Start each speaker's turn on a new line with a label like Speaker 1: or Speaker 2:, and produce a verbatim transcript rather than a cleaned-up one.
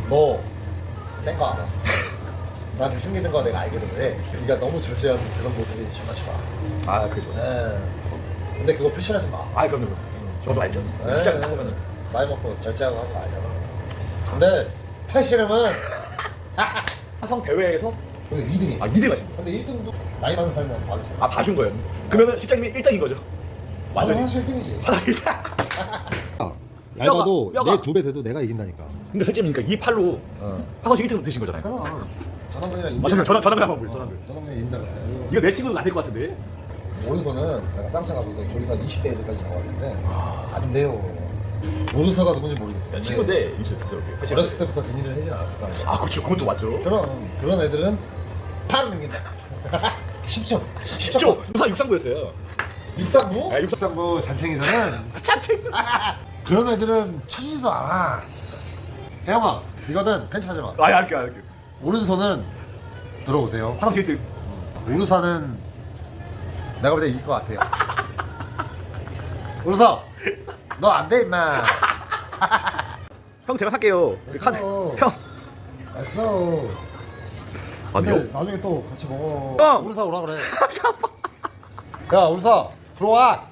Speaker 1: 너센 거 알아. 나한테 숨기는 거 내가 알거든. 왜? 네가 너무 절제하는 그런 모습이 정말 좋아.
Speaker 2: 아 그죠.
Speaker 1: 네. 근데 그거 표출하지 마.
Speaker 2: 아 그럼요. 저도 알죠.
Speaker 1: 네.
Speaker 2: 시장 딱 보면은
Speaker 1: 나이 먹고 절제하고 하는 거 알잖아. 근데 팔씨름은
Speaker 2: 화성 대회에서
Speaker 1: 근데 이 등이.
Speaker 2: 아 이 등 하신 거예요.
Speaker 1: 근데 일 등도 나이 많은 사람한테 받았어.
Speaker 2: 아 봐준 거예요. 그러면은 실장님이 일 등인 거죠.
Speaker 1: 완전
Speaker 2: 완전히.
Speaker 1: 사실 일 등이지.
Speaker 2: 얇아도 뼈가. 내
Speaker 1: 두 배 돼도 내가 이긴다니까.
Speaker 2: 근데 실장님이니까 이 팔로
Speaker 1: 어.
Speaker 2: 화성시 일 등 드신 거잖아요.
Speaker 1: 그럼 전원근이랑 인별.
Speaker 2: 맞아요. 전화 전화글 한번 보여. 전화글.
Speaker 1: 전원근이 인별.
Speaker 2: 이거 내 친구는 안 될 것 같은데.
Speaker 1: 오른손은 내가 쌍창하고 이거 조리사 이십 대 애들까지 잡아왔는데 안 돼요. 오른손가 누군지 모르겠어요.
Speaker 2: 야, 친구인데 있어요 진짜 이렇게.
Speaker 1: 어렸을 때부터 괜히를 하진 않았을 거 아니야.
Speaker 2: 아 그렇죠. 그건 또 맞죠.
Speaker 1: 그럼 그런 애들은 팍 넘긴다. 십 초.
Speaker 2: 십 초. 우선 육상부였어요.
Speaker 1: 육상부?
Speaker 2: 아, 육상-
Speaker 1: 육상부 잔챙이들은 그런 애들은 쳐주지도 않아. 혜영아 이거는 편집하지 마.
Speaker 2: 아 알게 알게.
Speaker 1: 오른손은 들어오세요.
Speaker 2: 화성시 일 등.
Speaker 1: 오른손은 내가 볼 때 이길 것 같아요. 오른손 너 안 돼 임마.
Speaker 2: 형 제가 살게요. 카드.
Speaker 1: 알았어.
Speaker 2: 형.
Speaker 1: 알았어.
Speaker 2: 아니요.
Speaker 1: 근데 나중에 또 같이 먹어.
Speaker 2: 형!
Speaker 1: 우르사 오라 그래. 야 우르사 들어와.